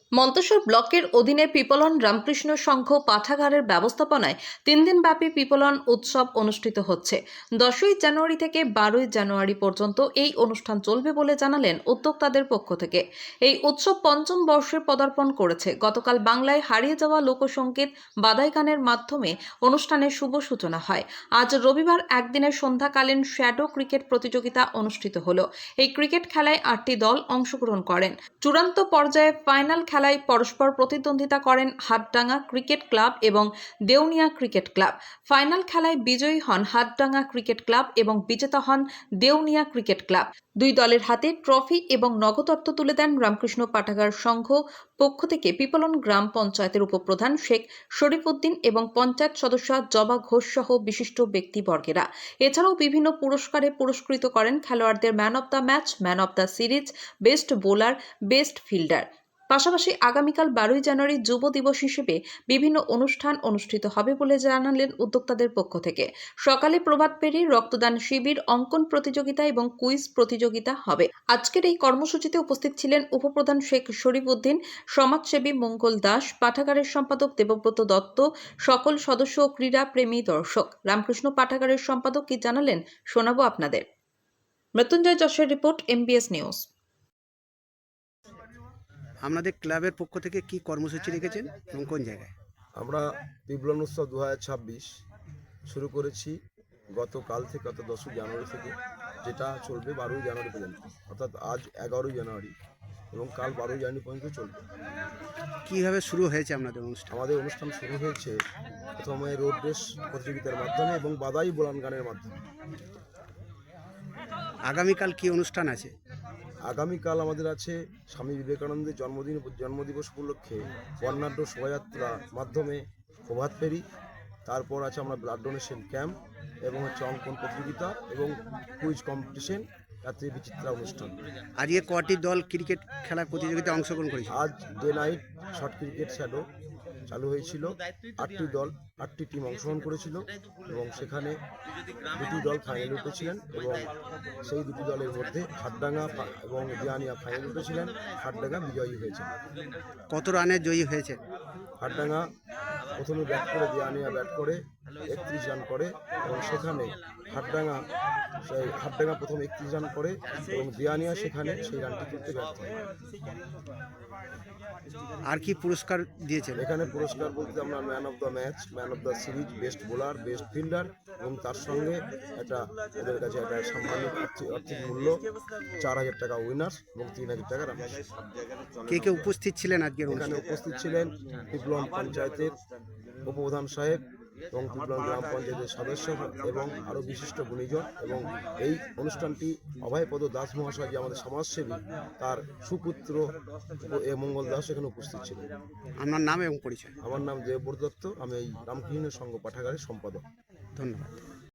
মন্তেশ্বর ব্লকের অধীনে পিপলন রামকৃষ্ণ সংঘ পাঠাগারের ব্যবস্থাপনায় 3 দিনব্যাপী পিপলন উৎসব অনুষ্ঠিত হচ্ছে। 10ই জানুয়ারি থেকে 12ই জানুয়ারি পর্যন্ত এই অনুষ্ঠান চলবে বলে জানালেন উদ্যোক্তাদের পক্ষ থেকে। এই উৎসব পঞ্চম বর্ষে পদার্পণ করেছে। গতকাল বাংলায় হারিয়ে যাওয়া লোকসঙ্গীত বাদাই গানের মাধ্যমে অনুষ্ঠানের শুভ সূচনা হয়। আজ রবিবার একদিনের সন্ধ্যাকালীন শ্যাডো ক্রিকেট প্রতিযোগিতা অনুষ্ঠিত হলো। এই ক্রিকেট খেলায় 8টি দল অংশগ্রহণ করেন। চূড়ান্ত পর্যায়ে ফাইনাল খেলায় পরস্পর প্রতিদ্বন্দ্বিতা করেন হাটডাঙ্গা ক্রিকেট ক্লাব এবং দেউনিয়া ক্রিকেট ক্লাব। ফাইনাল খেলায় বিজয়ী হন হাটডাঙ্গা ক্রিকেট ক্লাব এবং বিজেতা হন দেউনিয়া ক্রিকেট ক্লাব। দুই দলের হাতে ট্রফি এবং নগদ অর্থ তুলে দেন রামকৃষ্ণ পাঠাগার সংঘ পক্ষ থেকে পিপলন গ্রাম পঞ্চায়েতের উপপ্রধান শেখ শরীফউদ্দিন এবং পঞ্চায়েত সদস্য জবা ঘোষ সহ বিশিষ্ট ব্যক্তিবর্গেরা। এছাড়াও বিভিন্ন পুরস্কারে পুরস্কৃত করেন খেলোয়াড়দের man of the match, man of the series, best bowler, best fielder. পাশাপাশি আগামীকাল 12ই জানুয়ারি যুব দিবস হিসেবে বিভিন্ন অনুষ্ঠান অনুষ্ঠিত হবে বলে জানালেন উদ্যোক্তাদের পক্ষ থেকে। সকালে প্রভাত ফেরি, রক্তদান শিবির, অঙ্কন প্রতিযোগিতা এবং কুইজ প্রতিযোগিতা হবে। আজকের এই কর্মসূচিতে উপস্থিত ছিলেন উপপ্রধান শেখ শরীফউদ্দিন, সমাজসেবী মঙ্গল দাস, পাঠাগারের সম্পাদক দেবব্রত দত্ত, সকল সদস্য ও ক্রীড়া প্রেমী দর্শক। রামকৃষ্ণ পাঠাগারের সম্পাদক কি জানালেন শোনাবো আপনাদের। মৃত্যুঞ্জয় যশের রিপোর্ট, MBS নিউজ। আপনাদের ক্লাবের পক্ষ থেকে কি কর্মসূচি রেখেছেন এবং কোন জায়গায়? আমরা পিপলন উৎসব 2026 শুরু করেছি গতকাল থেকে, অর্থাৎ 10ই জানুয়ারি থেকে, যেটা চলবে 12ই জানুয়ারি পর্যন্ত। অর্থাৎ আজ 11ই জানুয়ারি এবং কাল 12ই জানুয়ারি পর্যন্ত চলবে। কীভাবে শুরু হয়েছে আপনাদের অনুষ্ঠান? আমাদের অনুষ্ঠান শুরু হয়েছে প্রথমে রোড রেস প্রতিযোগিতার মাধ্যমে এবং বাদাই বোলান গানের মাধ্যমে। আগামীকাল কি অনুষ্ঠান আছে? আগামীকাল আমাদের আছে স্বামী বিবেকানন্দের জন্মদিবস উপলক্ষে বর্ণাঢ্য শোভাযাত্রা মাধ্যমে প্রভাত ফেরি, তারপর আছে আমরা ব্লাড ডোনেশন ক্যাম্প এবং হচ্ছে অঙ্কন প্রতিযোগিতা এবং কুইজ কম্পিটিশন, রাত্রি বিচিত্রা অনুষ্ঠান। আজকে কটি দল ক্রিকেট খেলার প্রতিযোগিতায় অংশগ্রহণ করেছে? আজ day night short cricket shadow চালু হয়েছিল। 8টি দল, 8টি টিম অংশগ্রহণ করেছিল এবং সেখানে 2টি দল ফাইনালে উঠেছিলেন এবং সেই 2টি দলের মধ্যে হাটডাঙ্গা এবং দিয়ানিয়া ফাইনালে উঠেছিলেন। হাটডাঙ্গা বিজয়ী হয়েছে। কত রানে জয়ী হয়েছে? হাটডাঙ্গা প্রথমে ব্যাট করে, দিয়ানিয়া ব্যাট করে 31 রান করে এবং সেখানে হাটডাঙ্গা প্রথম 31 রান করে এবং দিয়ানিয়া সেখানে সেই রানটি তুলতে ব্যর্থ হয়। আর কি পুরস্কার দিয়েছেন? এখানে পুরস্কার বলতে আমরা man of the match, man of the series, best bowler, best fielder এবং তার সঙ্গে এদের কাছে একটা সাম্মানিক আর্থিক মূল্য 4000 টাকা উইনার্স এবং 3000 টাকা রানার্স। কে কে উপস্থিত ছিলেন আজকের এখানে অনুষ্ঠানে? উপস্থিত ছিলেন পিপলন পঞ্চায়েতের উপপ্রধান সাহেব এবং পিপলন গ্রাম পঞ্চায়েতের সদস্য এবং আরও বিশিষ্ট গুণীজন, এবং এই অনুষ্ঠানটি অভয়পদ দাস মহাশয়, যে আমাদের সমাজসেবী, তার সুপুত্র মঙ্গল দাস এখানে উপস্থিত ছিলেন। আপনার নাম এবং পরিচয়? আমার নাম দেবব্রত দত্ত, আমি এই রামকৃষ্ণ সংঘ পাঠাগারের সম্পাদক। ধন্যবাদ।